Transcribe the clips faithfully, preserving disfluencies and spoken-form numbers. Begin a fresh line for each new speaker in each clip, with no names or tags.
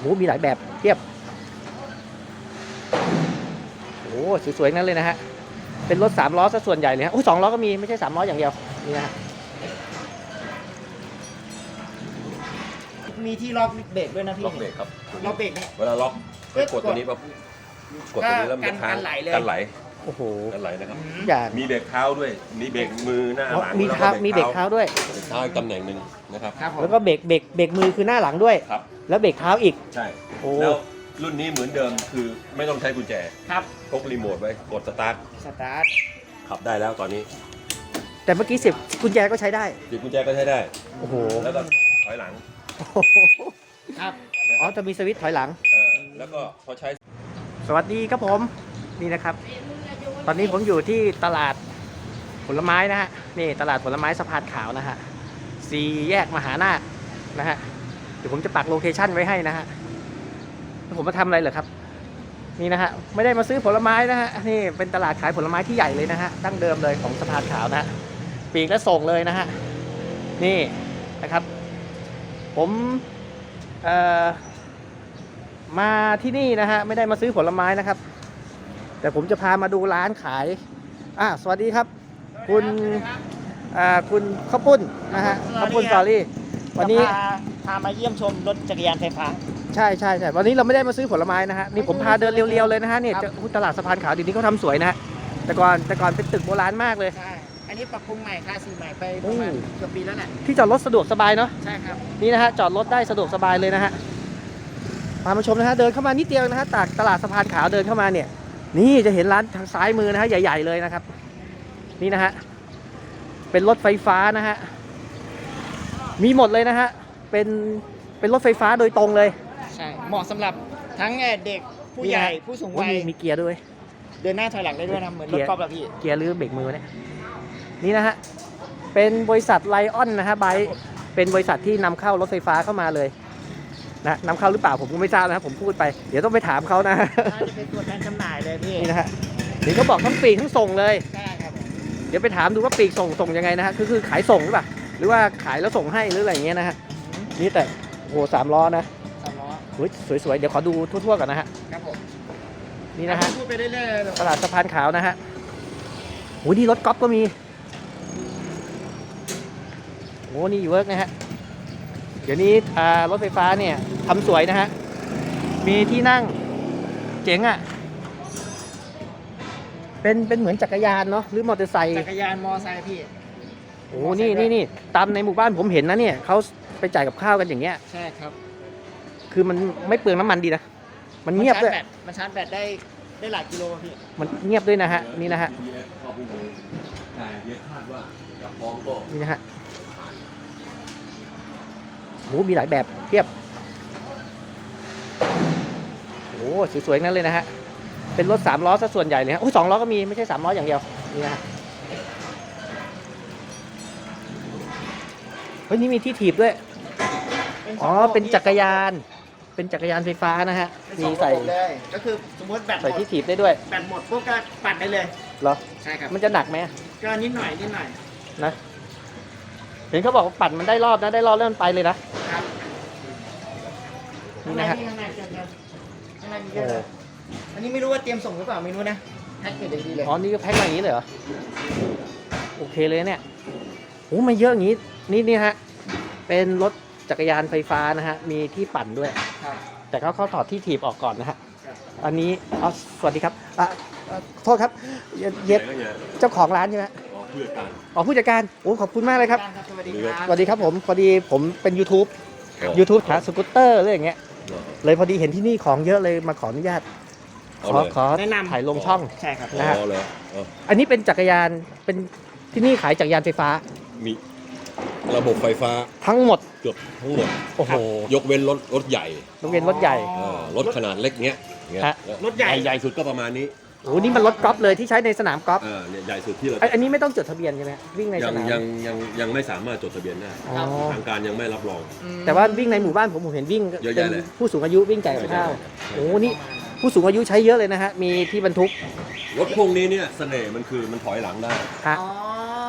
หมีหลายแบบเทียบโอ้สวยๆนั่นเลยนะฮะเป็นรถสามล้อซะส่วนใหญ่เลยฮะโอ้สองล้อก็มีไม่ใช่สามล้ออย่างเดียวนี่นะฮะ
มีที่ล็อกเบรกด้วยนะพี่
ล็อกเบรกครับ
ล็อกเบรกนี่
เวลาล็อกไปกดตัวนี้ปั๊บกดตัวนี้แล้วมันจะค้าง
กันไหลเลย
กันไหล
โอ้โห
กันไหลนะครับ
อย่าง
มีเบรกเท้าด้วยมีเบรกมือหน้าหลัง
มีเท้ามีเบรกเท้าด้วย
เบรกเท้าอีกตำแหน่งหนึ่งนะครับ
ครับผม
แล้วก็เบรกเบรกเบรกมือคือหน้าหลังด้วย
ครับ
แล้วเบรกเท้าอีก
ใช่
โอ้
แล้วรุ่นนี้เหมือนเดิมคือไม่ต้องใช้กุญแจ
ครับ
พกรีโมทไว้กดสตาร์ท
สตาร์ท
ขับได้แล้วตอนนี้
แต่เมื่อกี้เสียบกุญแจก็ใช้ได้
ติดกุญแจก็ใช้ได้
โอ้โห
แล้วก็ถอยหลัง
ครับ
อ๋อจะมีสวิตช์ถอยหลัง
เออแล้วก็พอใช้
สวัสดีครับผมนี่นะครับ ตอนนี้ผมอยู่ที่ตลาดผลไม้นะฮะนี่ตลาดผลไม้สะพานขาวนะฮะสี่แยกมหานาคนะฮะเดี๋ยวผมจะปักโลเคชั่นไว้ให้นะฮะแล้วผมมาทำอะไรเหรอครับนี่นะฮะไม่ได้มาซื้อผลไม้นะฮะนี่เป็นตลาดขายผลไม้ที่ใหญ่เลยนะฮะดั้งเดิมเลยของสะพานขาวนะฮะปีกและส่งเลยนะฮะนี่นะครับ ผมเอ่อมาที่นี่นะฮะไม่ได้มาซื้อผลไม้นะครับแต่ผมจะพามาดูร้านขายอ่ะสวัสดีครับคุณอ่าคุณข้าวปุ้นนะฮะข้าวปุ้นสตอรี่วันนี้
พาพามาเยี่ยมชมรถจักรยานไฟฟ้า
ใช่ใช่ใช่วันนี้เราไม่ได้มาซื้อผลไม้นะฮะนี่ผมพาเดินเรียวๆเลยนะฮะเนี่ย
ครับ
จะตลาดสะพานขาวเดี๋ยวนี้เขาทำสวยนะฮะแต่ก่อนแต่ก่อนเป็นตึกโบราณมากเลย
ใช่ อันนี้ปรับปรุงใหม่ค่าสีใหม่ไปประมาณ
อืม
เกือบปีแล้วแหละ
ที่จอดรถสะดวกสบายเนาะ
ใช่ครับ
นี่นะฮะจอดรถได้สะดวกสบายเลยนะฮะพามาชมนะฮะเดินเข้ามานิดเดียวนะฮะจากตลาดสะพานขาวเดินเข้ามาเนี่ยนี่จะเห็นร้านทางซ้ายมือนะฮะใหญ่ๆเลยนะครับ นี่นะฮะเป็นรถไฟฟ้านะฮะมีหมดเลยนะฮะเป็นเป็นรถไฟฟ้าโดยตรงเลย
ใช่ เหมาะสำหรับทั้งเด็กผู้ใหญ่ผู้สูงวัย
มีมีเกียร์ด้วย
เดินหน้าถอยหลังได้ด้วยนะเหมือนรถกอล์ฟอะพี่
เกียร์หรือเบรกมือเนี่ยนี่นะฮะเป็นบริษัทไลออนนะฮะไบเป็นบริษัทที่นำเข้ารถไฟฟ้าเข้ามาเลยนะนำเข้าหรือเปล่าผมก็ไม่ทราบนะครับผมพูดไปเดี๋ยวต้องไปถามเขานะ
น่าจะเป็นตัวแทนจำหน่ายเลยพี่
นี่นะฮะเดี๋ยวเขาบอกทั้งปีกทั้งส่งเลย
ใช่ครับ
เดี๋ยวไปถามดูว่าปีกส่งส่งยังไงนะฮะคือคือขายส่งหรือเปล่าหรือว่าขายแล้วส่งให้หรืออะไรอย่างเงี้ยนะฮะนี่แต่โอ้โหสามล้อนะ
สามล้อ
โอ้ยสวยๆเดี๋ยวขอดูทั่วๆก่อนนะฮะ
ครับผม
นี่นะฮะ
พูดไปเรื่อยๆเลย
ตลาดสะพานขาวนะฮะโอ้ยนี่รถก๊อล์ฟก็มีโอ้นี่เวิร์กนะฮะเดี๋ยวนี้อ่ารถไฟฟ้าเนี่ยทำสวยนะฮะมีที่นั่งเจ๋งอ่ะเป็นเป็นเหมือนจักรยานเนาะหรือมอเตอร์ไซค์
จักรยานมอไซค์พี่
โอ้นี่นี่นี่ตามในหมู่บ้านผมเห็นนะเนี่ยเขาไปจ่ายกับข้าวกันอย่างเงี้ย
ใช่ครับ
คือมันไม่เปลืองน้ำมันดีนะมันเงียบด้วย
มันชาร์จแบตได้ได้หลายกิโลพี่
มันเงียบด้วยนะฮะนี่นะฮะ
ข้อมูลแต่เยอะคาดว่าจะฟ้องก็
นี่นะฮะโอ้มีหลายแบบเทียบโอ้สวยๆนั่นเลยนะฮะเป็นรถสามล้อซะส่วนใหญ่เลยฮะโอ้สองล้อก็มีไม่ใช่สามล้ออย่างเดียวนี่นะฮะเฮ้ยนี่มีที่ถีบด้วยอ๋อเป็นจักรยานเป็นจักรยานไฟฟ้านะฮะมีใส่
เลยก็คือสมมติแบตหม
ใส่
ด
ที่ถีบได้ด้วย
แบตหมดปุ๊บก็ปั่นได้เลย
เหรอ
ใช่ครับ
มันจะหนักไหม
ก็นิดหน่อยนิดหน่อย
นะเห็นเขาบอกว่าปั่นมันได้รอบนะได้รอบแล้วมันไปเลยนะครับ นี่นะฮะ
ข้างในข้างในข้างในมีเยอะเลยอันนี้ไม่รู้ว่าเตรียมส่งหรือเปล่าไม่รู้นะแพ็คเกจดีเลย
อ๋อนี่ก็แพ็คมาอย่างนี้เลยเหรอโอเคเลยเนี่ยโอ้มาเยอะอย่างนี้นี่นี่ฮะเป็นรถจักรยานไฟฟ้านะฮะมีที่ปั่นด้วย
ครับ
แต่เขาเขาถอดที่ถีบออกก่อนนะฮะ
ครับ
อันนี้เอาสวัสดีครับอ่ะอ่ะโทษครับเย็ดเย็ด
ไหนก็เนี่ย
เจ้าของร้านใช่ไหม
อ๋อเพื่อการ
อ๋อผู้จัดการโอ้ขอบคุณมากเลยครับ
สวัสดีครับ
สวัสดีครับผมพอดีผมเป็น YouTube
อ๋อ
YouTube หาสกูตเตอร์อะไรอย่างเงี้ย
อ๋อ
เลยพอดีเห็นที่นี่ของเยอะเลยมาขออนุญาต
เอา
ขอ
เลย
ขอ
แนะนำ
ถ่ายลงช่อง
ใช่ครับ
นะฮะ
อ๋อเลยอ๋อ
อันนี้เป็นจักรยานเป็นที่นี่ขายจักรยานไฟฟ้า
มีระบบไฟฟ้า
ทั้งหมด
เกือบทั้งหมด
โอ้โห
ยกเว้นรถรถใหญ่
โรงเรียนรถใหญ่
เออรถขนาดเล็กเงี้ยเงี้ย
ฮะ
รถใหญ่
ใหญ่สุดก็ประมาณนี้
โอ้โหนี่มันรถกอล์ฟเลยที่ใช้ในสนามกอล์ฟ
เออเนี่ยใหญ่สุดที่เรา
ไอ้อันนี้ไม่ต้องจดทะเบียนใช่ไหมวิ่งใน
ยั
ส
ง
นาม
ยังยังยังไม่สามารถจดทะเบียนได้
อ๋อ
ทางการยังไม่รับรอง
อืม
แต่ว่าวิ่งในหมู่บ้านผมผมเห็นวิ่ง
เยอะ
เป็
แยะ
น
เลย
ผู้สูงอายุวิ่งจ่ายกับข้าว
ใช่ใช่
โอ้โหนี่ผู้สูงอายุใช้เยอะเลยนะฮะมีที่บรรทุก
รถพวกนี้เนี่ยเสน่ห์มันคือมันถอยหลังได้
ฮะ
อ๋อ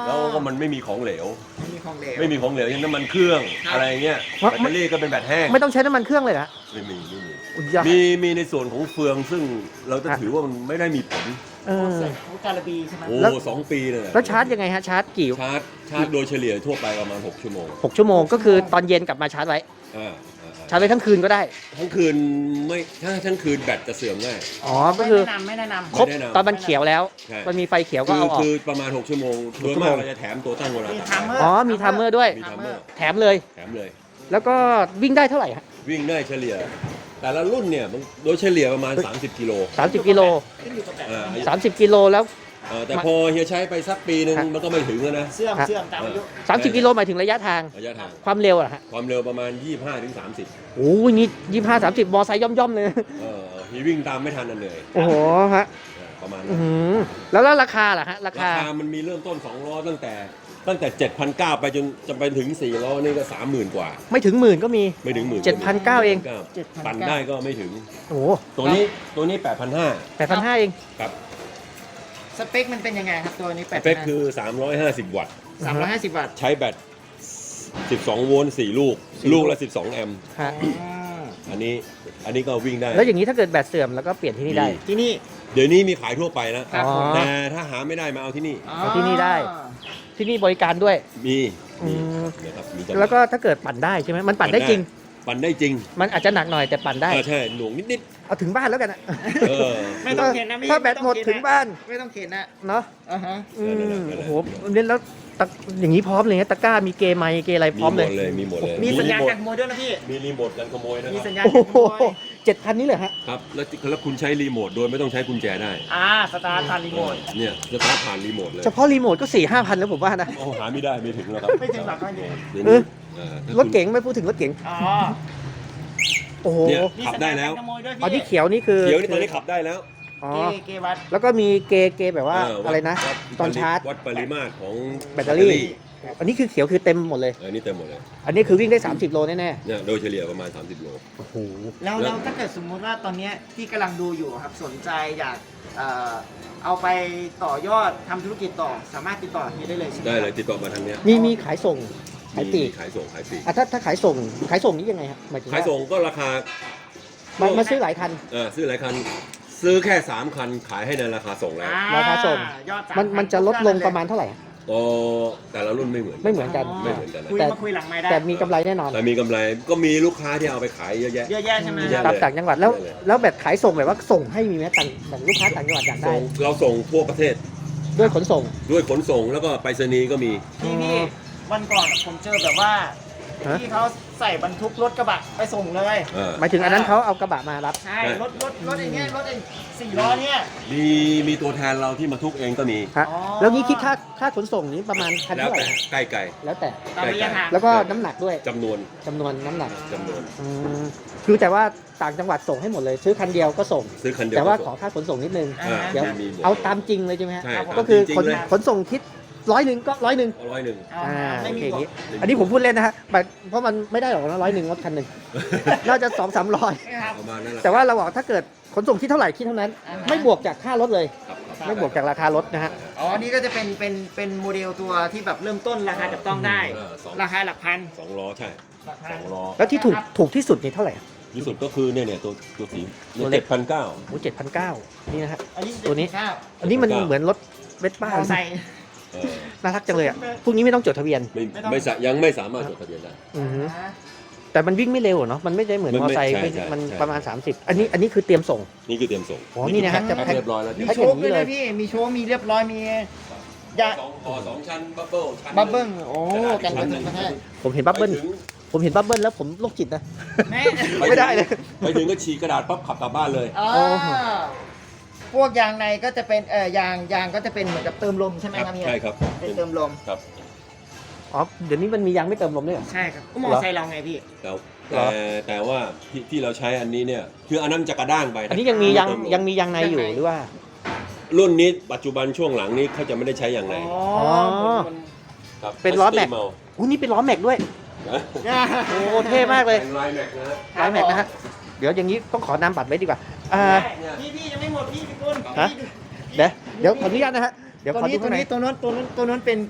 แล้วก็มันไม่มีของเหลว
ไม่มีของเหลว
ไม่มีของเหลวอย่างน้ำมันเครื่อง
ครับ
อะไรเงี้ย
ว่า
แบตเตอรี่ก็เป็นแบตแห้ง
ไม่ต้องใช้น้ำมันเครื่องเลยนะ
ไม่มีไม่มี
อุยยะ
มีมีในส่วนของเฟืองซึ่งเราจะ
ฮะ
ถือว่ามันไม่ได้มีผล
เออ
ของการบีใช่ไหม
โอ้
แล้ว
สองปีเลยนะ
แล้วชาร์จยังไงฮะชาร์จกี่
ชาร์จชาร์จโดยเฉลี่ยทั่วไปประมาณหกชั่วโมง
หกชั่วโมงก็คือตอนเย็นกลับมาชาร์จไว้
อ่าอ่าอ่า
ชาร์จไว้ทั้งคืนก็ได้
ทั้งคืนไม่ถ้าทั้งคืนแบตจะเสื่อมง่าย
อ๋อก็คือ
ไม่แนะนำไม่แนะนำ
ครบ
ไม่แนะนำ
ตอนมันเขียวแล้ว
ใช่
มันมีไฟเขียวก็
คือ
เอาออก
คือประมาณหกชั่วโมงโดย
ชั่ว
มา
โม
ก
ง
เราจะแถมตัวตั้งเวลา
มี
ต่าง
ทัมเมอร์
อ๋อมีทัมเมอร์ด้วย
มีทัมเมอร์
แถมเลย
แถมเลย
แล้วก็วิ่งได้เท่าไหร่ฮะ
วิ่งได้เฉลี่ย แต่ละรุ่นเนี่ยมันโดยเฉลี่ยประมาณ สามสิบกิโล
สามสิบกิโล
ขึ้นอยู่กับแบบ
อ่า
สามสิบกิโลแล้ว
เออแต่พอเฮียใช้ไปสักปีหนึ่ง
ฮะ
มันก็ไม่ถึงแล้วนะ
เสื่อมเสื่อมตามอายุ
สามสิบกิโลหมายถึงระยะทาง
ระยะทาง
ความเร็วอะฮะ
ความเร็วประมาณ ยี่สิบห้าถึงสามสิบ
โอ้ยนี่ยี่ห้าสามสิบมอไซค์ย่อมๆเลย
เออเฮียวิ่งตามไม่ทันนั่นเลย
โอ้โหฮะ
เออประมาณ
อื้
นั้
อน หือแล้วแล้วราคาล่ะฮะรา
รา
คา
คามันมีเริ่มต้นสองล้อตั้งแต่ตั้งแต่ เจ็ดพันเก้าร้อย ไปจนจะไปถึงสี่ล้อนี่ก็ สามหมื่น กว่า
ไม่ถึงหมื่นก็มี
ไม่ถึงหมื่น
เจ็ดพันเก้าเอง
ปั่นได้ก็ไม่ถึง
โอ้โห
ตัวนี้ตัวนี้ แปดพันห้าร้อย
แปดพันห้าเอง
ครับ
สเปคมันเป็นยังไงครับตัวนี้แป
ส
ด
เปคคือ สามร้อยห้าสิบ วัตต์
สามร้อยห้าสิบวัตต์
ใช้แบต สิบสอง โวลต์ สี่ ลูก ลูกละ สิบสอง แอมป์
ฮะ
อ๋อ
อันนี้อันนี้ก็วิ่งได้
แล้วอย่างนี้ถ้าเกิดแบตเสื่อมแล้วก็เปลี่ยนที่นี่ได้
มี
ที่นี่
เดี๋ยวนี้มีขายทั่วไปนะ
ครับ
อ๋อ
ผม
แต่ถ้าหาไม่ได้มาเอาที่นี่
เอาที่นี่ได้ ที่นี่บริการด้วย
มี
อื
มี
ม
นะครับมีจำหน่าย
แล้วก็ถ้าเกิดปั่นได้ใช่ไหมมันปั่นได้จริง
ปั่นได้จริง
มันอาจจะหนักหน่อยแต่ปั่นได้
อ่าใช่หน่วงนิด
เอาถึงบ้านแล้วกันอะ
ๆเออ
ไม่ต้องเข็นนะพี่
ถ้าแบตหมด
ไต้อง
ถึ
เข็
ง
นนะ
บ้าน
ไม่ต้องเข็นนะ
เนาะ
อ่าฮะ
อืม
นั่นแหละนั่นแหละ
โอ้โหเล่นแล้วตะอย่างนี้พร้อมเลยนะตะกร้ามีเกมไมค์เกมอะไรพ
มี
ร้อม
หม
เลย
ดเลยมีหมดเลย
มีสัญญาณ
รีโม
การ
ท
ขโมยด้วยนะพี่
มีรีโมทกันขโมยนะ
มี
ค
สั
รับ
ญญาณ
โอ้
การข
โห
โมย
เจ็ดพันนี้เลยฮะ
ครับแล้วแล้วคุณใช้รีโมทโดยไม่ต้องใช้กุญแจได้
อ่าสตาร์ทผ่านรีโมท
เนี่ยจะสตาร์ทผ่านรีโมทเลย
เฉพาะรีโมทก็สี่ห้าพันแล้วผมว่านะ
โอ้หาไม่ได้ไม่ถึงแล้วครับ
ไม่ถึงหลักก็เยอะ
เดี๋ยว
เอ
นี้
อ
เออถ้าคุณ
รถเก๋งไม่พูดถึงรถเก๋ง
อ๋อ
โอ้โห
เนี่ย
มี
ขับ
สัญ
ได้
ญาณ
แล้ว
การขโมยด้วย
อ๋อ
พี่
ที่เขียวนี่คือ
เดี๋ยวนี้ตอนนี้ขับได้แล้ว
อ๋อ
เกเกวัด
แล้วก็มีเกเกแบบว่า
เวัด
อะไรนะ
วัด
ตอนชาร์จ
วัดปริมาตรของ
แบตเตอรี่ อันนี้คือเขียวคือเต็มหมดเลย
เออนี่เต็มหมดเลย
อันนี้คือวิ่งได้ สามสิบ โลแน่
เนี่ยโดยเฉลี่ยประมาณ สามสิบ โล
ๆโอ้โห
แล้ว
แล้
แล้ว วถ้าเกิดสมมุติว่าตอนเนี้ยที่กำลังดูอยู่ครับสนใจอยากเอ่อเอาไปต่อยอดทำธุรกิจต่อสามารถติดต่อเฮียได้เลยใช่ไหม
ได้เลย
ครับ
ติดต่อมาทางเนี้ย
มีมีขายส่งขายปลีก
มีขายส่งขายปลีก
อ่ะถ้าถ้าขายส่งขายส่งนี่ยังไงครับหมายถึง
ขาย
ว่า
ส่งก็ราคา
มามาซื้อหลายคัน
เออซื้อหลายคัน ซื้อแค่สามคันขายให้ในราคาส่งแล้ว
อ่
ราคาส่ง
ยอดสา
มันมันจะลดลง
พั
ประมาณเท่าไหร่
ก็แต่ละรุ่นไม่เหมือน
ไม่เหมือนกัน
ไม่เหมือนกันนะ
คุย
แต่
มาคุยหลังไม้ได้
แต่มีกำไรแน่นอน
แต่มีกำไรก็มีลูกค้าที่เอาไปขายเยอะแยะ
เยอะแยะใช่ไหม
เยอะแยะ
ตามต่างจังหวัดแล้ว
เยอะเลย
แล้วแบบขายส่งแบบว่าส่งให้มีไหมต่างแบบลูกค้าต่างจังหวัดอยากได้
ส่งเราส่งทั่วประเทศ
ด้วยขนส่ง
ด้วยขนส่งแล้วก็ไปรษณีย์ก็มี
พี่พี่วันก่อนผมเจอแบบว่า
ฮะ
ที่เขาใส่บรรทุกรถกระบะไปส่งเลย
เออ
หมายถึงอันนั้นเขาเอากระบะมารับ
ใช่
ใช่
รถรถรถไอ้เนี้ยรถไอ้สี่ล้อเนี่ย
มีมีตัวแทนเราที่มาทุกเองก็มี
ฮะ
อ๋อ
แล้วนี้คิดค่าค่าขนส่งนี้ประมาณคัน
แล้ว
เท่าไหร่
แต่ใกล้ไกล
แล้วแต่
ตามระยะทาง
แล้วก็น้ำหนักด้วย
จำนวน
จำนวนน้ำหนัก
จำนวน
อืมคือแต่ว่าต่างจังหวัดส่งให้หมดเลย ซื้อคันเดียวก็ส่ง
ซื้อคันเดียว
แต่ว่า
ก็
ข
ส่
อง ค่าขนส่งนิดนึง
อ่า
เดี๋ยว
มีหมด
เอาตามจริงเลยใช่ไหมฮะ
ใช่
ก็คือ
ตามจริง
ขน
เลย
ขนส่งคิดร้อยหนึ่งก็ร้อยหนึ่ง
เอาร้อยหนึ่ง
อ่า
อ่า
ไม่
โอ
มี
เคอย่าง
บ
นี้
ก
อันนี้ผมพูดเล่นนะฮะแบบเพราะมันไม่ได้หรอกนะร้อยหนึ่งรถคันหนึ่ง น่าจะสองสามร้อย
ครับ
ประมาณนั้นแหละ
แต่ว่าเราบอกถ้าเกิดขนส่งคิดเท่าไหร่คิดเท่านั้น
อ่าฮะ
ไม่บวกจากค่ารถเลย
ครับครับ
ไม่บวกจากราคารถนะฮะ
อ๋อ นี่ก็จะเป็นเป็นเป็นโมเดลตัวที่แบบเริ่มต้นราคาจับต้องได้
เออสอง
ราคาหลักพัน
สองล้อใช่
หลักพั
ส
น
องล้อ
แล้วที่ถูกถูกที่สุดนี่เท่าไหร่
ที่สุดก็คือเนี่ยเนี่ยตัวตัวสี
ตัวเล็
เจ็
ก
ดพันเก้า
โอ้เจ็ดพันเก้านี่นะฮะ
อันนี้
ตัวนี้
เก้า
อันนี้มัน
เจ็ดพันเก้า
เหมือนรถเวสป้าม
อไซค์
เออ
น่ารักจังเลยอ่ะพวกนี้ไม่ต้องจดทะเบียน
ไม่
ไม่ต้อง
ไม่สะยังไม่สามารถจดทะเบียนได้
อือฮึแต่มันวิ่งไม่เร็วอะเนาะมันไม่ได้เหมือน
มัน
มอ
ไม่
ไซค์
ใช่
ไม่
ใช่
มัน
ใช่
ประมาณ สามสิบ อันนี้อันนี้คือเตรียมส่ง
นี่คือเตรียมส่ง
อ๋อนี่นะฮะจะ
แพ็ค
แพ็ค
เรียบร้อยแล้ว
มี
แพ็ค
โช
อย่า
ค
งนี้
ด้วย
เล
นะ
ย
พี่ มีโชคมีเรียบร้อย มียา
สองคอสองชั้นบับเบิ้ลชั้น
บับเบิ้ลโอ้
กระดาษ
กัน
อี
กระ
ชั้
ตุ้น
ห
ก
ง
ระแทก
ผมเห็นบับเบิ้ล
ไปถึง
ผมเห็นบับเบิ้ลแล้วผมโรคจิตนะ
แม่
ไม่ได้เลย
ไปถึงก็ฉีกกระดาษปั๊บขับกลับบ้านเลย
อ๋อ
โอ้โห
พวกยางในก็จะเป็นเอ่อยางยางก็จะเป็นเหมือนกับเติมลมใช่ไหมครับพี่
ใช่ครับ
เป็นเติมลม
ครับ
อ๋อเดี๋ยวนี้มันมียางไม่เติมลมด้วยเหรอ
ใช่ครับก็มอไซค์เราไงพี่
แต่
เหร
แต่
อ
แต่ว่าที่ที่เราใช้อันนี้เนี่ยคืออันนั้นจะกระด้างไปะ
อันนี้ยังมียาง
เติล
ยังมียางในอยู่
ยางใน
หรือว่า
รุ่นนี้ปัจจุบันช่วงหลังนี้เขาจะไม่ได้ใช้อย่างไร
อ๋อ
อ
มัน
ครับ
เป็นล้อแม็ก
สตีเมา
อู้นี่เป็นล้อแม็กด้วย
นะ
โอ้เท่มากเลย
เป็นลายแม็กนะฮะ
ล้อแม็กนะฮะ เดี๋ยวอย่างนี้ต้องขอนามบัตรไว้ดีกว่าอ่า
พี่พี่ยังไม่หมดพี่พี่กุล
ฮะ เดี๋ยวเดี๋ยวขออนุญาตนะฮะ เดี๋ยว
ตัว
ขอ
นี้
ดู
ตั
ข้าว งใน
นี้ตัวนู้นตัวนู้นตัวนู้นเป็น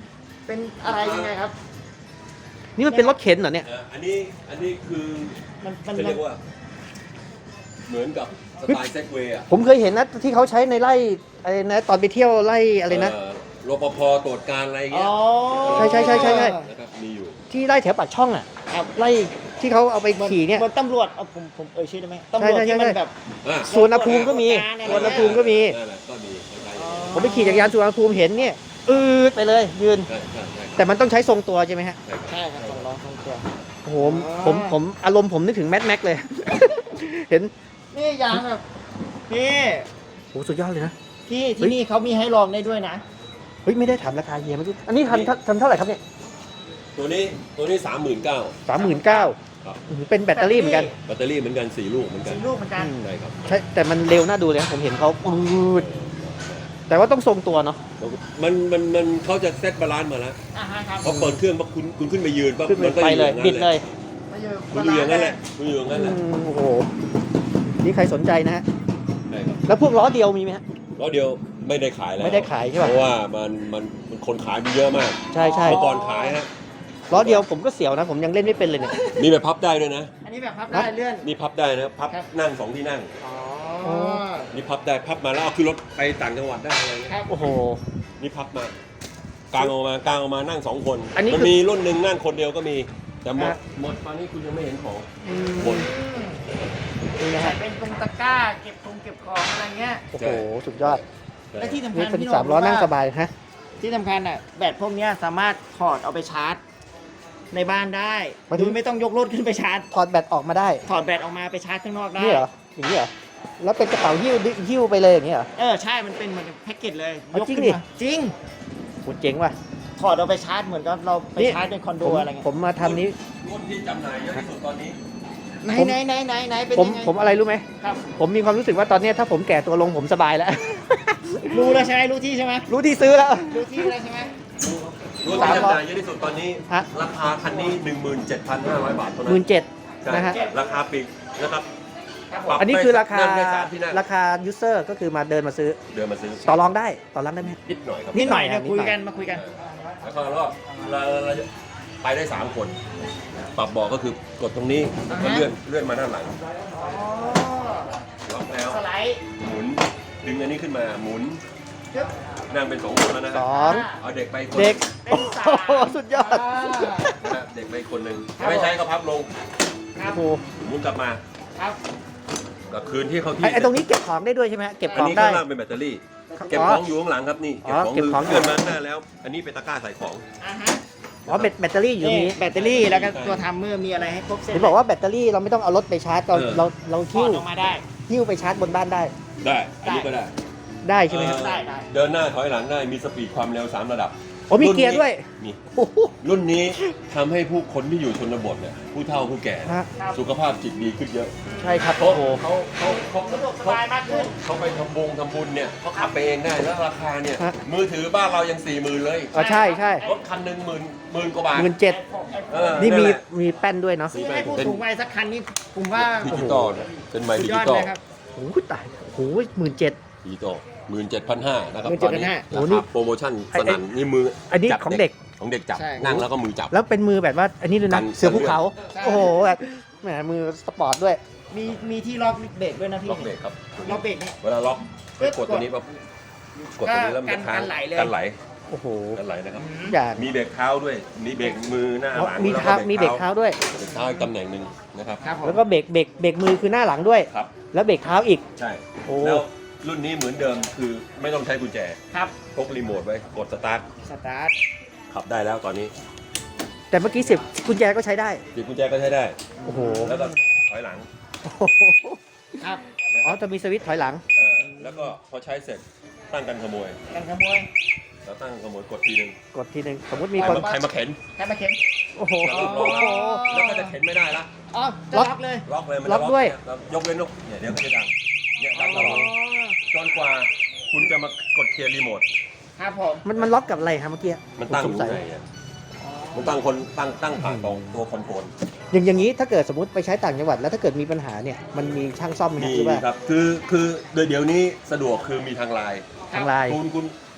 เป็นอะไรยังไงครับ
นี่มันเป็นรถเข็นเหรอเนี่ย
เอ่ออันนี้อันนี้คือ
มันมัน
จะเรียกว่า เหมือนกับสไตล์เซกเวย์อะ
ผมเคยเห็นนะที่เขาใช้ในไร่อะไรนะตอนไปเที่ยวไร่อะไรนะ
เอ่อรปภตรวจการอะไรอย่าง
อ๋
เงี้
อย
ใช่ใช่ใช่ใช่ใช่
นะครับมีอยู่
ที่ไร่แถวปากช่องอ่ะไร่ที่เขาเอาไปขี่เนี่ย
บนตำรวจเอาผมผมเอ่ยชื่อได้ไหมตำรวจ
ใช่ใช่
ที่มัน
ใช่
แบบ
อ่ะ
สวนภูมิก็มีสวนภูมิก็มี
นั่นแหละก็มีใช่
ผมไปขี่จักรยานสวนภูมิเห็นเนี่ยอืดไปเลยยืน
ใช่ใช่ใช่
แต่มันต้องใช้ทรงตัวใช่ไหมฮะ
ใช่ครับ
ใช่ครับสองล้อสองตัว
โอ้โหผมผมอารมณ์ผมนึกถึงแมทแม็กเลย เห็น
นี่ยางแบบพี่
โอ้สุดยอดเลยนะ
พี่
เฮ้
ที่
ย
นี่เขามีให้ลองได้ด้วยนะ
เฮ้ยไม่ได้ถามราคาเฮียเมื่อกี้อันนี้ทันทันเท่าไหร่ครับเนี่ย
ตัวนี้ตัวนี้สามหมื่นเก้า
สามหมื่นเก้า
ครับ
เป็นแบตเตอรี่เหมือนกัน
แบตเตอรี่เหมือนกันสี่ลูกเหมือนกัน
สีลูกเหมือนกัน
ใช่ครับ
ใช่แต่มันเร็วน่าดูเลยนะผมเห็นเขาอืดแต่ว่าต้องทรงตัวเนาะ
มันมันมันเขาจะเซตบาลานซ์มาแล้ว
อ่าฮะครับ
พอเปิดเครื่องปั๊บคุณคุณขึ้นไปยืนปั๊บ
ขึ้น
มันก็
ไป
อยู่
เล
อย ย่างนั้น
บิดเลย
มาอยู่
คุณอยู่อย่างนั้นแหละคุณอยู่อย่างนั้นแหละ
อืมโอ้โหนี่ใครสนใจนะฮะ
ใช่ครับ
แล้วพวกล้อเดียวมีไหมฮะ
แล้วเดียวไม่ได้ขายแล้ว
ไม่ได้ขายใช่ป่ะ
เพราะว่ามันมันมันคนขายมีเยอะมาก
ใช่ใช่
เมื่อก่อนขายฮะ
ล้อเดียวผมก็เสียวนะ ผมยังเล่นไม่เป็นเลยเนี่ย
มีแบบพับได้ด้วยนะ
อันนี้แบบพับได้เลื่อน
นี่พับได้นะพับ
ครับ
นั่งสองที่นั่ง
อ๋อ
นี่พับได้พับมาแล้วเอาขึ้นรถไปต่างจังหวัดได้อะไรเงี้ย
ครับ
โอ้โห
นี่พับมากางออกมากางออกมานั่งสองคน
อันนี้
มัน
คือ
มีรุ่นหนึ่งนั่งคนเดียวก็มีแต่หมด
ฮะ
หมดตอนนี้คุณยังไม่เห็นของ
อืม
หมด
นี่นะ
ใส่
ฮะ
เป็นตรงตะกร้าเก็บตรงเก็บของอะไรเงี้ย
โอ้โหสุดยอด
และที่สำคั
นี่
ญ
เป็น
พี่โ
สามล้อนั่งสบายฮะ
ที่สำคัญอ่ะแบตพวกเนี้ยสามารถถอดเอาไปชาร์จ ในบ้านได้
หมายถึ
โด
ง
ยไม่ต้องยกรถขึ้นไปชาร์จ
ถอดแบตออกมาได้
ถอดแบตออกมาไปชาร์จข้างนอกได้
นี่เหรออย่างนี้เหรอแล้วเป็นกระเป๋าหิ้วดิหิ้วไปเลยอย่างนี้เหรอ
เออใช่มันเป็นเหมือนแพ็กเกจเลย
เอา
ยก
จริง
ขึ้น
ดิ
มาจริง
โหเจ๋งว่ะ
ถอดเอาไปชาร์จเหมือนกับเราไป
นี่
ชาร์จในคอนโด
ผม
อะไรเงี้ย
ผมมาทำนี้
รุ่นที่จำหน่ายเยอะที่สุดตอนนี้
ไหน
ผม
ไหนไหนไหนไหนเป็น
ผม
ยังไง
ผมอะไรรู้ไหม
ครับ
ผมมีความรู้สึกว่าตอนเนี้ยถ้าผมแก่ตัวลงผมสบายแล้ว
รู้แล้วใช่ไหมรู้ที่ใช่ไหม
รู้ที่ซื้อแล้ว
รู้ที่แล้วใช่ไหม
รุ่น
สาม
ที่
ร้อย
จำหน่ายเยอะที่สุดตอนนี้
ฮะ
ราคาคันนี้ หนึ่งหมื่นเจ็ดพันห้าร้อย บาทเท่า
ห
นั้
มื่น
น
เจ็ด
ใช่
นะฮะ
ราคาปลีกนะครับ
ครับผ
ปรั
ม
บ
อันนี้คือราคา
นั่งได้สามที่นั่ง
ราคา user ก็คือมาเดินมาซื้อ
เดินมาซื้อ
ต่อรองได้ต่อรองได้ไหม
นิดหน่อยครับ
นิดหน่อย
เดี๋ยว
นิด
คุ
ห
ย
น่อย
กันมาคุยกัน
แล้วก็รอบเราเราจะไปได้สามคน ปรับเบอกก็คือกดตรงนี้แล้วก็เลื่อนเลื่อนมาด้านหลัง
อ๋อ
ล็อกแล้ว
สไลด์
หมุนดึงอันนี้ขึ้นมาหมุน
จึ๊บ
นั่งเป็นสองคนแล้วนะค
ส
รับ
อง
เอาเด็กไปคน
เด็ก
เป็
โอ้
นสาม
โหสุดยอด
อ่า
นะฮะเด็กไปคนหนึ่ง
ครับ
ไม่ใช้ก็พับลง
ครับ
โอ้โห
หมุนกลับมา
ครับ
กับคืนที่เขาที่
ไอ้ไอ้ตรงนี้เก็บของได้ด้วยใช่ไหมฮะเก็บข
อัน
อง
นี้
ได้
ข้างล่างเป็นแบตเตอรี่ เก็บของอยู่ข้างหลังครับนี่
อ๋อเก็บของ
เกินมาข้างหน้าแล้ว อันนี้เป็นตะกร้าใส่ของ
อ่าฮะ
อ๋อแบตแบตเตอรี่อยู่ตรง
นี่
นี้
แบตเตอรี่แล้วก็ตัวทัมเมอร์มีอะไรให้ครบเซ็ต
เห็นบอกว่าแบตเตอรี่เราไม่ต้องเอารถไปชาร์จเรา
เออ
เราเรา
ถอ
หิ้ว
ดออกมาได้
หิ้วไปชาร์จบนบ้านได้
ได้ อันนี้ก็ได้
ได้ใช่ไหมครับ
เอ่อ
ได้ได้
เดินหน้าถอยหลังได้มีสปีดความเร็วสามระดับ
โอ้มี
รุ่นนี้
เกียร์ด้วย
มี
โอ้โห
รุ่นนี้ทำให้ผู้คนที่อยู่ชนบทเนี่ยผู้เฒ่าผู้แก่
ฮะ
ครับ
สุขภาพจิตดีขึ้นเยอะ
ใช่ครับ
เพราะ
โอ้โห
เขาเขาเขา
สะดวกสบายมากขึ้น
เขาไปทำบงทำบุญเนี่ยเขาขับไปเองได้แล้วราคาเนี่ยมือถือบ้านเรายังสี่หมื่นเลย
อ๋อใช่ใช่
รถคันหนึ่งหมื่นหมื่นกว่าบาท
หมื่นเจ็ด
เออ
นี่มี
นั่นแหละ
มีแป้นด้วยเนาะ
ซื้อให้ผู้สูงวัยสักคันนี้ผมว่า
ดิจิตอลเนี่ยเป็นไมค์
สุด
ดิ
ยอ
จิ
ด
ตอล
เลยครับ
โอ้โหตายโอ้โหหมื่นเจ็ด
ดิจิตอลหมื่นเจ็ดพันห้านะครับ
หมื่น
ต
เจ็
อ
ด
น
พัน
นี้
ห้า
โอ้
รา
นี่
คาโปรโมชั่นสนั่นนี่มือ
อันนี้
จับ
ของเด็ก
ของเด็กจับ
ใช่
นั่งแล้วก็มือจับ
แล้วเป็นมือแบบว่า อันนี้ด้วย
กั
นะ
น
เสือภูเขา
ใช่
โอ้โหแบบแหมมือสปอร์ตด้วย
มีมีที่ล็อกเบรกด้วยนะพี่
ล็อกเบรกครับ
ล็อกเบรกนี่
เวลาล็อกให้กดตัวนี้ปั๊บกดตัวนี้แล้วมันจะค้าง
กันไหลเลย
กันไหล
โอ้โห
กันไหลนะครับ
อย่าง
มีเบรกเท้าด้วยมีเบรกมือหน้า
อ๋อ
หลัง
มี
แล้ว
เท้ามีเบรกเท้าด้วย
เบรกเท้าอีกตำแหน่งหนึ่งนะครับ
ครับผม
แล้วก็เบรกเบรกเบรกมือคือหน้าหลังด้วย
ครับ
แล้วเบรกเท้าอีก
ใช่
โอ้
แล้วรุ่นนี้เหมือนเดิมคือไม่ต้องใช้กุญแจ
ครับ
พกรีโมทไว้กดสตาร์ท
สตาร์ท
ขับได้แล้วตอนนี้
แต่เมื่อกี้สิบกุญแจก็ใช้ได้
หยิบกุญแจก็ใช้ได้
โอ้โห
แล้วก็ถอยหลัง
โอ้โห
ครับ
อ๋อจะมีสวิตช์ถอยหลัง
เออแล้วก็พอใช้เสร็จตั้งกันขโมย
กันขโมย
แล้วตั้งขโมยกดทีหนึง
กดทีหนึ่งสมมติมี
ใคร
คน
มาใครมาเข็น
แค่มาเข็น
โอ้โห
แล้วลูกล็อกแล้วก็จะเข็นไม่ได้ละ
อ๋อจะ
ล็อก
ล็อกเลย
ล็อกเลยมัน
ล็
จะ
อกด้วย
แล้วยกเว้นลูกเนี่ยเดี๋ยวมันจะดังเนี่ยดังตลอดจนกว่าคุณจะมากดเคลียร์รีโมท
ครับผม
มันมันล็อกกับอะไรครับเมื่อกี้
มันตั้ง
ผ
อ
ส
ยู่
สัย
ไหนอะมันตั้งคนตั้งตั้งผ่านตรงตัวคอนโทรล
อย่างอย่างนี้ถ้าเกิดสมมติไปใช้ต่างจังหวัดแล้วถ้าเกิดมีปัญหาเนี่ยมันมีช่างซ่อมไหม
มี
ฮะหรือว่า
ครับคือคือโดยเดี๋ยวนี้สะดวกคือมีทางไลน์
ทางไลน์
คุณคุณ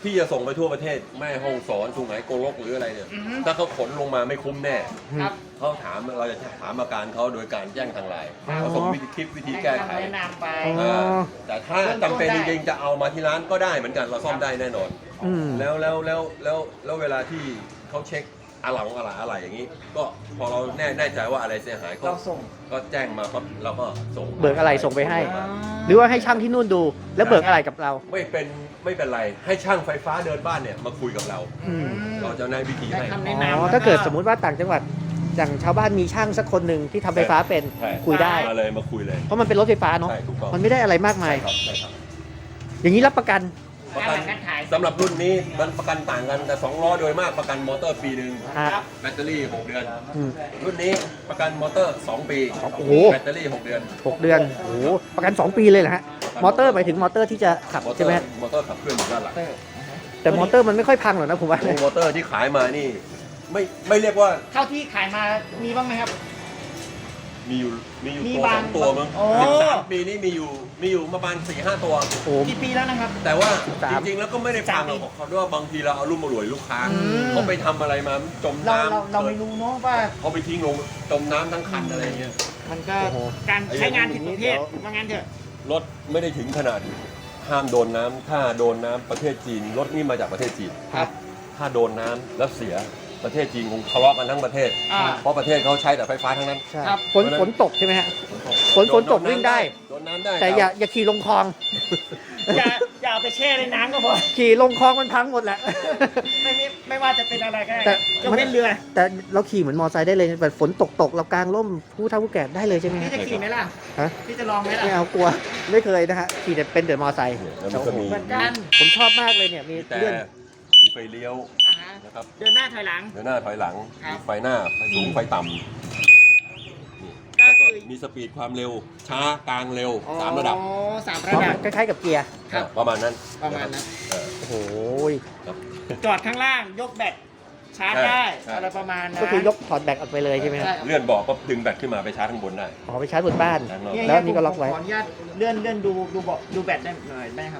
พี่จะส่งไปทั่วประเทศแม่ฮ่องสอนสุไหงโกลกหรืออะไรเนี่ย
อือฮึ
ถ้าเขาขนลงมาไม่คุ้มแน่
ครับ
เขาถามเราจะถามอาการเขาโดยการแจ้งทางไลน์
อ๋อ
เขาส่งวิธีคลิปวิธี
ให้
แก้ไข
คำแนะนำไป
อ๋อ
เออแต่ถ้าจำเป็นจริงๆจะเอามาที่ร้านก็ได้เหมือนกันเราซ่อมได้แน่นอน
อืม
แล้วแล้วแล้วแล้วแล้วเวลาที่เขาเช็คอะไรอะไรอะไรอย่างนี้ ก็พอเราแน่แน่ใจว่าอะไรเสียหายก็
เราส่ง
ก็แจ้งมาปั๊บเราก็ส่ง
เบิกอะไรส่งไปให้
อ่า
หรือว่าให้ช่างที่นู่นดู แล้วเบิกอะไรกับเรา
ไม่เป็นไม่เป็นไรให้ช่างไฟฟ้าเดินบ้านเนี่ยมาคุยกับเรา
อืม
เราจะแนะวิธี
ได้
ให้
คำ
อ๋
แนะนำ
อ
แล้ว
ถ้าเกิดสมมุติว่าต่างจังหวัดอย่างชาวบ้านมีช่างสักคนหนึ่งที่ทำไฟฟ้าเป็น
ใช่
คุยได้
มาเลยมาคุยเลย
เพราะมันเป็นรถไฟฟ้าเนาะ
ใช่ถูกต้อง
มันไม่ได้อะไรมากมาย
ใช่ครับใช่ครับ
อย่างนี้รับประกัน
ประกัน
การขาย
สำหรับรุ่นนี้มันประกันต่างกันแต่สองล้อโดยมากประกันมอเตอร์ปีหนึ่ง
อ่า
ครับ
แบตเตอรี่หกเดือน
อืม
รุ่นนี้ประกันมอเตอร์สองปี
โอ้โห
แบตเตอรี่หกเดือน
หกเดือน โอ้โห ประกัน สอง ปีเลยเหรอฮะ มอเตอร์หมายถึงมอเตอร์ที่จะขับ
มอเตอ
ใช่ไหม
ร์
ฮะ
มอเตอร์ขับเคลื่อนอยู่ด้านหลัง
แต่มอเตอร์มันไม่ค่อยพังหรอกนะผมว่า
โอ้มอเตอร์ที่ขายมานี่ไม่ไม่เรียกว่า
เท่าที่ขายมามีบ้างไหมครับ
มีอยู่มีอยู่
มี
ตัว
บา
ส
ง
องตัวมั้ง
โอ้
สิบสามปีนี่มีอยู่มีอยู่ประมาณสี่ห้าตัว
โอ้โห
กี่ปีแล้วนะครับ
แต่ว่า
สิบสาม
จริงๆแล้วก็ไม่ได้ฟังหรอก
สามปี
เขาด้วยว่าบางทีเราเอารุ่มมารวยลูกค้า
อืม
เขาไปทำอะไรมาจม
เรา
น้ำ
เราเราไม่รู้เนาะว่า
เขาไปทิ้งลงจมน้ำทั้งคันอะไรเงี้ย
มันก็
โอ้โห
การใช้งานผิดประเภท
เดี๋ยว
ว่างั้นเถอะ
รถไม่ได้ถึงขนาดห้ามโดนน้ำถ้าโดนน้ำประเทศจีนรถนี่มาจากประเทศจีน
ครับ
ถ้าโดนน้ำแล้วเสียประเทศจีนคงทะเลาะกันทั้งประเทศ
อ่า
เพราะประเทศเขาใช้แต่ไฟฟ้าทั้งนั้น
ใช่
ครับ
ฝนฝนตกใช่ไหมฮะ ฝนฝนตกวิ่งได้
โดนน้ำได้
แต่อย่าอย่าขี่ลงคลอง
อย่าอย่าเอาไปแช่ในน้ำก็พอ
ขี่ลงคลองมันพังหมดแหละ
ไม่ไม่ไม่ว่าจะเป็นอะไรก็ได้
แต่
ยกเว้นเรือ
แต่เราขี่เหมือนมอไซค์ได้เลยแบบฝนตกตกเรากางร่มผู้เฒ่าผู้แก่ได้เลยใช่ไหม
พี่
ฮะ
จะขี่ไหมล่ะ
ฮะ
พี่จะลองไหมล่ะ
ไม่เอากลัว ไม่เคยนะฮะ ขี่แต่เป็นแต่มอไซค์
เนี่ยแล้วมันก็มี
เหมือนกัน
ผมชอบมากเลยเนี่ย มี
แต่
เลื่อน
มีไฟเลี้ยว
อ่าฮะ
นะครับ
เดินหน้าถอยหลัง
เดินหน้าถอยหลัง
ครับ
มีไฟหน้าไฟสูงไฟต่ำนี่
ก็
แล้วก็
คือ
มีสปีดความเร็ว ช้ากลางเร็วสามระดับ
อ๋อสามระดับ
คล้ายๆกับเกียร์
ครับ
ประมาณนั้น
ประมาณนั้น
เออ
โอ้โห
ครับ
จอดข้างล่างยกแบตชาร์จ
ใช่
ได้
ใช่
อะไรประมาณนั้น
ก็คือยกถอดแบตออกไปเลยใช่ไหมครับ
ใช่ครับ
เลื่อนเบอกก็ดึงแบตขึ้นมาไปชาร์จข้างบนได้
อ๋อไปชาร์จบนบ้าน
ด้านนอก
เนี่ย
แล้วนี่ก็ล็อกไว้
ผมขออนุญาตเลื่อนเลื่อนดูดูเบาะดูแบตได้หน่อยได้ไหมครับ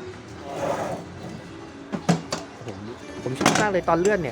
ผมผมชอบมากเลยตอนเลื่อนเนี่ย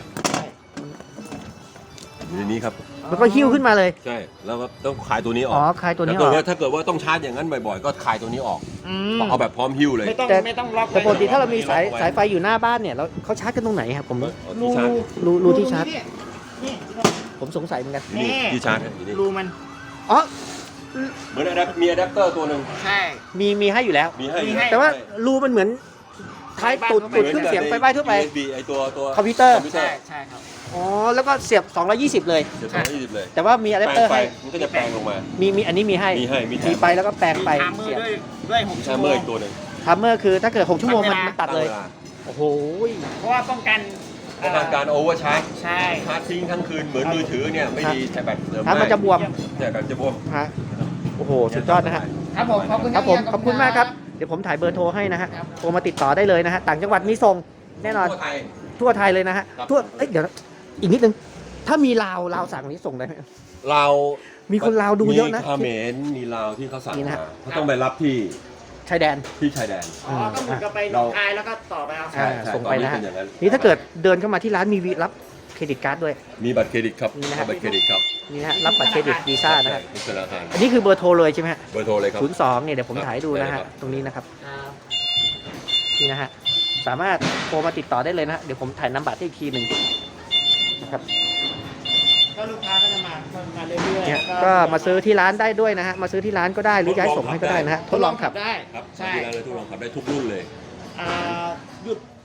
อยู่ในนี้ครับ
มันก็หิ้วขึ้นมาเลย
ใช่ แล้วก็ต้องคลายตัวนี้อ
อ๋
อ
อก คลายตัวนี้
ถ้า
อ
เกิ
อ
ด
ก
ว่าถ้าเกิดว่าต้องชาร์จอย่างนั้นบ่อยๆ ก็คลายตัวนี้ออก
อืม
เอาแบบพร้อมหิ้วเลย
ไม่ต้อง
แต่
ไม่ต้องล็อก
แต่ปกติถ้าเรามีสาย
ล็อกไว้
สายไฟอยู่หน้าบ้านเนี่ยเราเขาชาร์จกันตรงไหนครับผม
เอา
รู
ที่ชาร์จ
รูรูที่ชาร์จ
นี่นี่
ผมสงสัยเหมือนกัน
อยู่นี่
นี่
ที่ชาร์จอยู่นี่
รูมัน
อ๋อ
เหมือนอะแดปมีอะแดปเตอร์ตัวหนึ่ง
ใช่
มีมีให้อยู่แล้ว
มีให้
มีให้
แต่ว่ารูมันเหมือนท้ายตูดตูดเครื่องเสียงไฟฟ้าทั่วไป
ยู เอส บี ไอตัวตัว
คอมพิวเตอร์
คอมพิวเตอ
ใช่
ร์
ใช่ครับ
อ๋อแล้วก็เสียบสองร้อยยี่สิบเลย
เดี๋ยวสองร้อยยี่สิบเลย
แต่ว่ามีอะแดป
แปล
เตอง ร์
ไฟ
ให้
มันก็จะแปลงลงมา
มีมีอันนี้มีให้
มีให้มีแถม
มีไปแล้วก็แปลงไป
มีทามเมอ
เสีย
ร์
บ
ด้วยด้วยหก
มี
ชั่
ชาว
โม
เมอง ร์อีกตัวหนึ่ง
ทัมเมอร์คือถ้าเกิดหกชั่วโมงมัน
ตั้งเวลา
มันตัดเลย
ตั้งวา
โอ้โห
เพราะว่าป้องกัน
ป้องกันการโอเวอร์ชาร์จ
ใช่
ชาร์จทิ้งทั้งคืนเหมือนมือถือเนี่ยไม่ดีใช้แบตเสริม
ถ้ามันจะบวม
ใช่แบตจะบวม
ฮะโอ้โหสุดยอดนะฮะ
ครับผมขอบคุณ
ครับผม
เฮีย
ขอบคุณมากครับ เดี๋ยวผมถ่ายเบอร์โทรให้นะฮะ
ครับ
โทรมาติดต่อได้เลยนะฮะ ต่างจังหวัดมีส่งแน่นอน
ทั่วไทย
ทั่วไทยเลยนะฮะ
ครับ
ทั่ว เอ้ยเดี๋ยวนะอีกนิดนึง ถ้ามีลาวลาวสั่งนี้ส่งได้ไหม
เรา
มีคนลาวดูเยอะนะ
มีเขมรมีลาวที่เขาสั่ง
นี่นะ
มาเขาต้องไปรับที่
ชายแดน
ที่ชายแดน
อ๋อก็เหมือนกับไปหนองคายแล้วก็ต่อไปเอา
ใช่
อ่า
ใช่
ส่งไปนะฮะ
ตอนนี้เป็นอย่างนั้น
นี่ถ้าเกิดเดินเข้ามาที่ร้านมีวีรับเครดิตการ์ดด้วย
มีบัตรเครดิตครับ
นี่นะฮะ
บัตรเครดิตครับ
นี่นะฮะรับบัตรเครดิตวีซ่านะฮะ
ใช่ธนาคาร
อันนี้คือเบอร์โทรเลยใช่ไหมฮะ
เบอร์โทรเลยครับ
ศูนย์สองเนี่ยเดี๋ยวผมถ่ายให้ดูนะ
ได้
ฮะ
ครับ
ตรงนี้นะครับ
ครับ
นี่นะฮะ สามารถโทรมาติดต่อได้เลยนะฮะ เดี๋ยวผมถ่ายนามบัตรให้อีกทีหนึ่งนะครับ
ก็ลูกค้าก็จะมาก็มาเรื่อยๆ
เนี่ย
แล้ว
ก็มาซื้อที่ร้านได้ด้วยนะฮะ มาซื้อที่ร้านก็ได้หรือจะให้ส่งให้ก็ได้นะฮะ ทดลองขับ
ได้
ครับ
ใช่
ที่ร้านเลยทดลองขับได้ทุกรุ่นเลย
อ่าหยุด